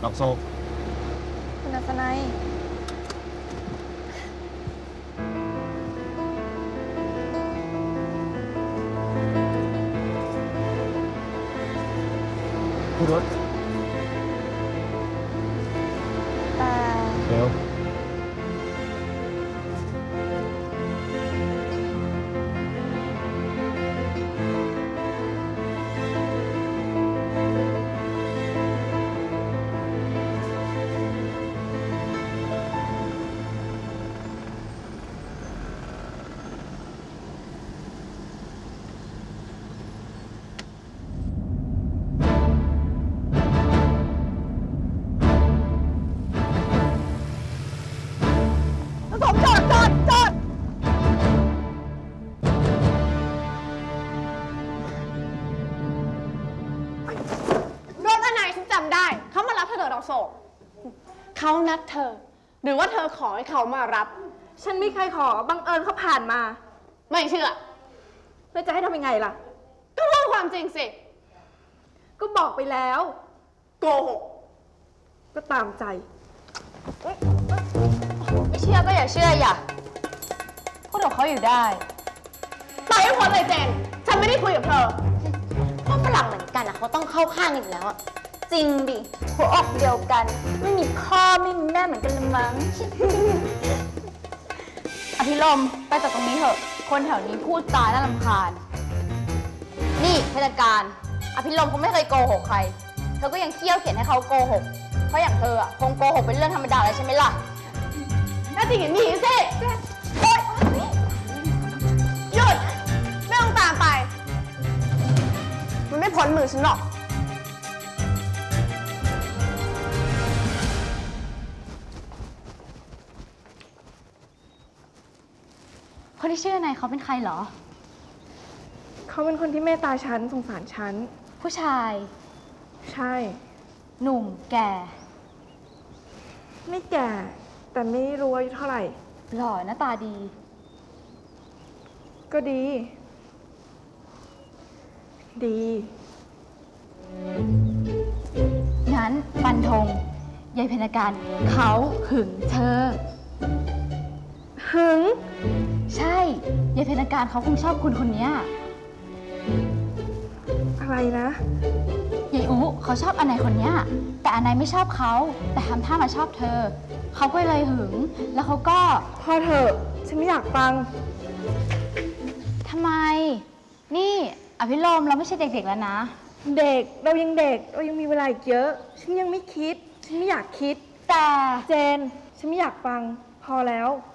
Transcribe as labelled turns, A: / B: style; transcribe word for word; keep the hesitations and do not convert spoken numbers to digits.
A: ดอกโซ
B: คุณอัศนัย
A: พูดรถ
B: แต่
A: เร็ว
B: สมจอดจอดจอด
C: รถอันไหนฉันจำได้เขามารับเธอเดินดอกโศกเขานัดเธอหรือว่าเธอขอให้เขามารับ
B: ฉันไม่เคยขอบังเอิญเขาผ่านมา
C: ไม่เชื่อ
B: แล้วจะให้ทำยังไงล่ะ
C: ก็พูดความจริงสิ
B: ก็บอกไปแล้ว
C: โกหก
B: ก็ตามใจ
D: ไม่เชื่อก็อย่าเชื่ออย่าพูดกับเขาอยู่ได้
C: ไปให้พ้นเลยเจนฉันไม่ได้คุยกับเธอ
D: พวกฝรั่งเหมือนกันอะเขาต้องเข้าข้างอีกแล้วอะจริงดิหัวอกเดียวกันไม่มีพ่อไม่มีแม่เหมือนกันละมั้ง อภิรมย์ไปจากตรงนี้เถอะคนแถวนี้พูดจาน่ารำคาญนี่เทศกาลอภิรมย์เขาไม่เคยโกหกใครเธอก็ยังเคี่ยวเขียนให้เขาโกหกเพราะอย่างเธออะคงโกหกเป็นเรื่องธรรมดาแล้วใช่ไหมล่ะ
C: น่าจริงอย่างนี้สิโอ๊ยหยุดไม่ต้องตามไปมันไม่พ้นมือฉันหรอก
D: คนที่ชื่อนายเขาเป็นใครเหรอ
B: เขาเป็นคนที่เมตตาฉันสงสารฉัน
D: ผู้ชาย
B: ใช่
D: หนุ่มแก่
B: ไม่แก่แต่ไม่รู้อายุเท่าไหร่
D: หล่อหน้าตาดี
B: ก็ดีดี
D: งั้นฟันธงยายเพญการเขาหึงเธอ
B: หึง
D: ใช่ยายเพญการเขาคงชอบคุณคนนี้
B: อะไรนะ
D: ยายอุเขาชอบอันไหนคนนี้แต่อันไหนไม่ชอบเขาแต่ทำท่ามาชอบเธอเขาก็เลยหึงแล้วเขาก็
B: พอเถอะฉันไม่อยากฟัง
D: ทำไมนี่อภิรมย์เราไม่ใช่เด็กๆแล้วนะ
B: เด็กเรายังเด็กเรายังมีเวลาอีกเยอะฉันยังไม่คิดฉันไม่อยากคิด
D: แต่
B: เจนฉันไม่อยากฟังพอแล้ว